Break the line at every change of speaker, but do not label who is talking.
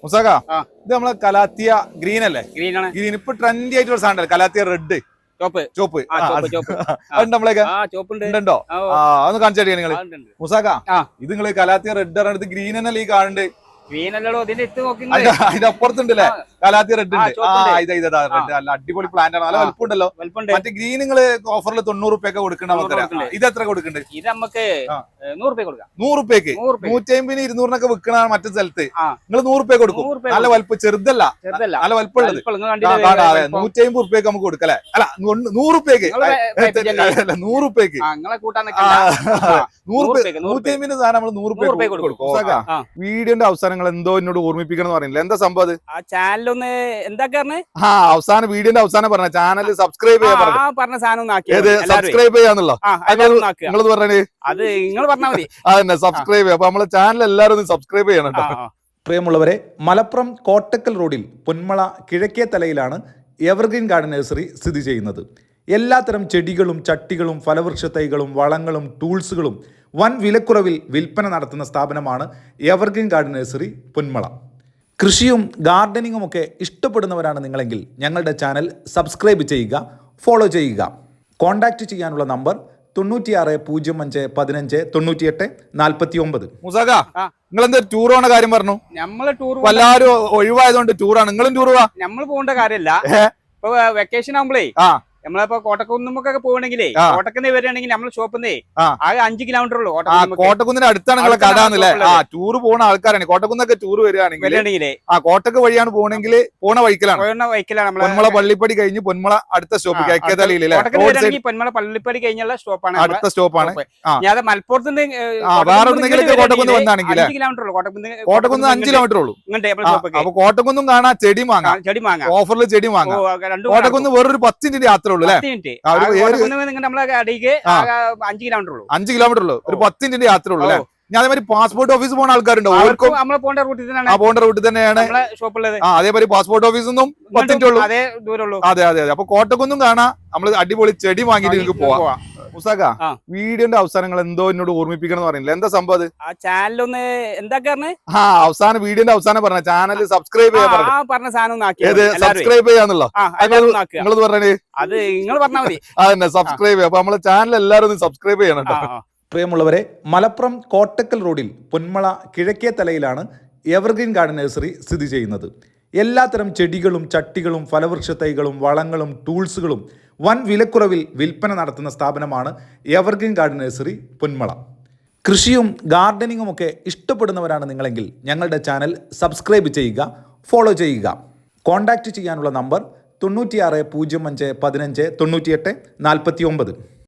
മുസാക ഇത് നമ്മളെ calathea green അല്ലേ?
ഗ്രീൻ ആണ്.
ഗ്രീൻ ഇപ്പൊ ട്രെൻഡി ആയിട്ടുള്ള സാധനം കലാത്തിയ റെഡ്
ചോപ്പ്
ചോപ്പ്
ചോപ്പ്
നമ്മളൊക്കെ ഉണ്ടോ? അതൊന്ന് കാണിച്ചാ നിങ്ങള് മുസാക ഇത് നിങ്ങള് കലാത്തിയ റെഡ് പറഞ്ഞത് ഗ്രീൻ എന്നല്ലേ ഈ കാണുന്നുണ്ട്?
ഗ്രീൻ അല്ലല്ലോ ഇതിന്റെ എത്ത് നോക്കി
അതിന്റെ അപ്പുറത്തുണ്ടല്ലേ കലാത്തിയ റെഡ് ഉണ്ട്. ഇതാ റെഡ് നല്ല അടിപൊളി പ്ലാന്റ് ആണ്. നല്ല വലുപ്പമുണ്ടല്ലോ. മറ്റേ ഗ്രീൻ നിങ്ങള് ഓഫറിൽ 90 റുപ്യൊക്കെ കൊടുക്കണ്ട നമുക്ക്. ഇത് എത്ര കൊടുക്കുന്നുണ്ട്?
ഇത് നമുക്ക് 100 റുപ്യ കൊടുക്കാം.
100 റുപ്യക്ക് 150 200 വിൽക്കണ മറ്റേ സ്ഥലത്ത് നിങ്ങൾ 100 റുപ്യ കൊടുക്കും. നല്ല വലുപ്പം ചെറുതല്ല, നല്ല വലുപ്പമുള്ളത് 150 റുപ്യക്ക് നമുക്ക് കൊടുക്കല്ലേ? അല്ല 100 റുപ്യക്ക് 100 റുപ്യക്ക് 150 സാധനം നമ്മൾ 100 റുപ്യ കൊടുക്കും. വീഡിയോന്റെ അവസാനങ്ങൾ എന്തോ എന്നോട് ഓർമ്മിപ്പിക്കണം എന്ന് പറയുന്നില്ല. എന്താ സംഭവം?
ചാനലൊന്ന് എന്താ
അവസാനം വീഡിയോന്റെ അവസാനം പറഞ്ഞ ചാനൽ സബ്സ്ക്രൈബ് ചെയ്യാൻ
പറഞ്ഞ സാധനം
സബ്സ്ക്രൈബ് ചെയ്യാന്നുള്ളോ നിങ്ങളത് പറഞ്ഞേ?
അത് നിങ്ങൾ പറഞ്ഞാൽ മതി.
അതന്നെ സബ്സ്ക്രൈബ് ചെയ്യാം. അപ്പൊ നമ്മളെ ചാനൽ എല്ലാവരും ഒന്ന് സബ്സ്ക്രൈബ് ചെയ്യണം കേട്ടോ. പ്രിയമുള്ളവരെ, മലപ്പുറം കോട്ടക്കൽ റോഡിൽ പൊന്മള കിഴക്കേ തലയിലാണ് എവർഗ്രീൻ ഗാർഡൻ നഴ്സറി സ്ഥിതി ചെയ്യുന്നത്. എല്ലാത്തരം ചെടികളും ചട്ടികളും ഫലവൃക്ഷ തൈകളും വളങ്ങളും ടൂൾസുകളും വൻ വിലക്കുറവിൽ വിൽപ്പന നടത്തുന്ന സ്ഥാപനമാണ് എവർഗ്രീൻ ഗാർഡൻ നഴ്സറി പൊന്മള. കൃഷിയും ഗാർഡനിങ്ങും ഒക്കെ ഇഷ്ടപ്പെടുന്നവരാണ് നിങ്ങളെങ്കിൽ ഞങ്ങളുടെ ചാനൽ സബ്സ്ക്രൈബ് ചെയ്യുക, ഫോളോ ചെയ്യുക. കോൺടാക്റ്റ് ചെയ്യാനുള്ള നമ്പർ 96 05 15 98 49. മുസാക, നിങ്ങൾ എന്താ ടൂർ പോണ കാര്യം പറഞ്ഞു?
നമ്മള് ടൂർ
എല്ലാവരും ഒഴിവായതുകൊണ്ട് ടൂറാണ്. നിങ്ങളും ടൂർ പോവാ?
നമ്മൾ പോകേണ്ട കാര്യമല്ല. ഇപ്പൊ വെക്കേഷൻ ആകുമ്പോഴേ നമ്മളിപ്പോ കോട്ടക്കുന്നുമൊക്കെ പോകണമെങ്കിലേ കോട്ടക്കുന്ന് വരികയാണെങ്കിൽ നമ്മൾ ഷോപ്പിന്നേ ആകെ 5 കിലോമീറ്റർ ഉള്ളൂ.
കോട്ടക്കുന്നിന്റെ അടുത്താണ് നിങ്ങളെ കടാന്നല്ലേ? ടൂർ പോകുന്ന ആൾക്കാരാണ്. കോട്ടക്കുന്നൊക്കെ ടൂർ വരികയാണെങ്കിൽ കോട്ടക്ക് വഴിയാണ് പോകണമെങ്കിൽ പോണ വഴിക്കലാണ് പൊന്മള പള്ളിപ്പടി കഴിഞ്ഞ് പൊന്മള അടുത്ത സ്റ്റോപ്പ്
പൊന്മള പള്ളിപ്പടി കഴിഞ്ഞുള്ള സ്റ്റോപ്പാണ്,
അടുത്ത സ്റ്റോപ്പാണ്.
ഞാൻ മലപ്പുറത്ത്
വേറെ കോട്ടക്കുന്ന് വന്നാണെങ്കിൽ കോട്ടക്കുന്ന് 5 കിലോമീറ്റർ ഉള്ളൂ. അപ്പൊ കോട്ടക്കുന്നും കാണാം, ചെടി വാങ്ങാം, ഓഫറിൽ ചെടി വാങ്ങാം. കോട്ടക്കുന്ന് വേറൊരു 10 മിനിറ്റ് യാത്ര
5
കിലോമീറ്റർ ഉള്ളൂ. ഒരു 10 മിനിറ്റ് യാത്ര ഉള്ളൂ അല്ലെ? ഞാൻ അതേമാതിരി പാസ്പോർട്ട് ഓഫീസ് പോകുന്ന ആൾക്കാരുണ്ടോ? പോകേണ്ട റൂട്ടിൽ തന്നെയാണ് അതേമാതിരി പാസ്പോർട്ട് ഓഫീസൊന്നും 10 മിനിറ്റ് ഉള്ളൂ. അതെ അതെ അതെ. അപ്പൊ കോട്ടക്കുന്നും കാണാം, നമ്മള് അടിപൊളി ചെടി വാങ്ങിയിട്ട് നിങ്ങൾക്ക് പോവാം. മുസാക, വീഡിയോന്റെ അവസാനങ്ങൾ എന്തോ എന്നോട് ഓർമ്മിപ്പിക്കണം എന്ന് പറയുന്നില്ല. എന്താ സംഭവം?
ചാനലൊന്ന് എന്താ
അവസാനം വീഡിയോന്റെ അവസാനം പറഞ്ഞ ചാനൽ സബ്സ്ക്രൈബ് ചെയ്യാൻ
പറഞ്ഞ സാധനം
സബ്സ്ക്രൈബ് ചെയ്യാന്നുള്ളോ നിങ്ങളത് പറഞ്ഞേ?
അത് നിങ്ങൾ പറഞ്ഞാൽ മതി.
അതന്നെ സബ്സ്ക്രൈബ് ചെയ്യാം. അപ്പൊ നമ്മളെ ചാനൽ എല്ലാവരും ഒന്ന് സബ്സ്ക്രൈബ് ചെയ്യണം കേട്ടോ. പ്രിയമുള്ളവരെ, മലപ്പുറം കോട്ടക്കൽ റോഡിൽ പൊന്മള കിഴക്കേ തലയിലാണ് എവർഗ്രീൻ ഗാർഡൻ നഴ്സറി സ്ഥിതി ചെയ്യുന്നത്. എല്ലാത്തരം ചെടികളും ചട്ടികളും ഫലവൃക്ഷ തൈകളും വളങ്ങളും ടൂൾസുകളും വൻ വിലക്കുറവിൽ വിൽപ്പന നടത്തുന്ന സ്ഥാപനമാണ് എവർഗ്രീൻ ഗാർഡൻ നഴ്സറി പൊന്മള. കൃഷിയും ഗാർഡനിങ്ങും ഒക്കെ ഇഷ്ടപ്പെടുന്നവരാണ് നിങ്ങളെങ്കിൽ ഞങ്ങളുടെ ചാനൽ സബ്സ്ക്രൈബ് ചെയ്യുക, ഫോളോ ചെയ്യുക. കോൺടാക്റ്റ് ചെയ്യാനുള്ള നമ്പർ 96 05 15 98 49.